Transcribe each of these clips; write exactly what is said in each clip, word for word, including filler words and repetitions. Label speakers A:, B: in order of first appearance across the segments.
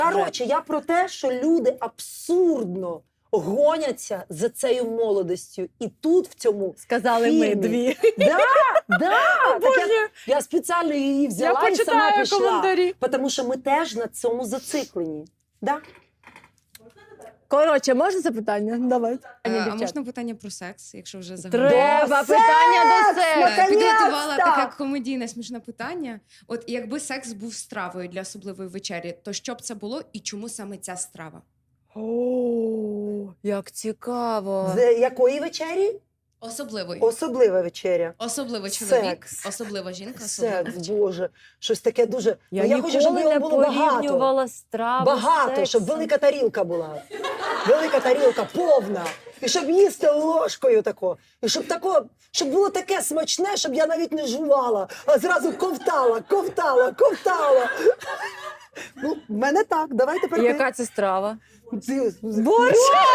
A: Коротше, я про те, що люди абсурдно гоняться за цією молодостю. І тут в цьому
B: Сказали
A: фільмі.
B: ми дві.
A: Да, да. Так я,
B: Боже.
A: я спеціально її
B: Я
A: взяла і сама
B: почитаю
A: пішла.
B: коментарі.
A: Тому що ми теж на цьому зациклені. Да?
B: Коротше, можна запитання? Давай.
C: Е, А можна питання про секс, якщо вже заговорили?
B: Треба
A: До
B: питання до
A: секс!
B: себе.
A: Наконець-то!
C: Підготувала таке комедійне смішне питання. От якби секс був стравою для особливої вечері, то що б це було і чому саме ця страва?
B: О, як цікаво.
A: З якої вечері?
C: Особливої.
A: Особлива вечеря.
C: Особливо чоловік,
A: Секс.
C: особлива жінка, особливо.
A: Секс, Боже. Щось таке дуже...
B: Я,
A: Ну, я
B: ніколи
A: хочу, щоб
B: не
A: його було багато.
B: порівнювала страву
A: Багато,
B: з
A: щоб
B: сексом.
A: велика тарілка була. Велика тарілка, повна. І щоб їсти ложкою тако. І щоб тако, щоб було таке смачне, щоб я навіть не жувала, а зразу ковтала, ковтала, ковтала. Ну, в мене так, давай тепер ти.
B: Яка це страва?
A: Ти-
B: Борщ!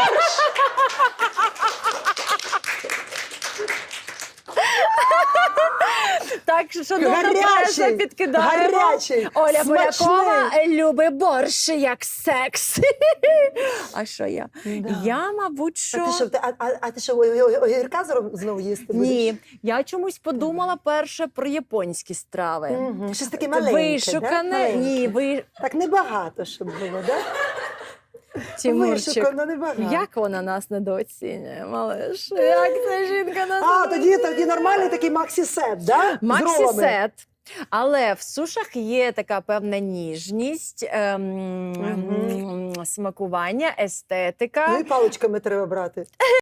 B: Так, що шановна преса
A: Гарячий,
B: підкидаємо.
A: гарячий,
B: Оля
A: смачний.
B: Полякова любить борщ як секс. А що я?
A: Да.
B: Я, мабуть, що...
A: А ти що, ти- а, а, а ти що, о- о- огірка зро- знову їсти будеш?
B: Ні, я чомусь подумала перше про японські страви.
A: Мгм. Щось таке маленьке, да?
B: Вишукане,
A: Маленьке.
B: ні, ви...
A: Так небагато, щоб було, да?
B: Тимурчик.
A: Вишукано небагато.
B: Як вона нас недооцінює, малиш? Як ця жінка нас
A: А, тоді, тоді нормальний такий максі-сет, да? З ролами.
B: Максі-сет. Але в сушах є така певна ніжність, ем,
A: Мгм.
B: смакування, естетика.
A: Ну і паличками треба брати.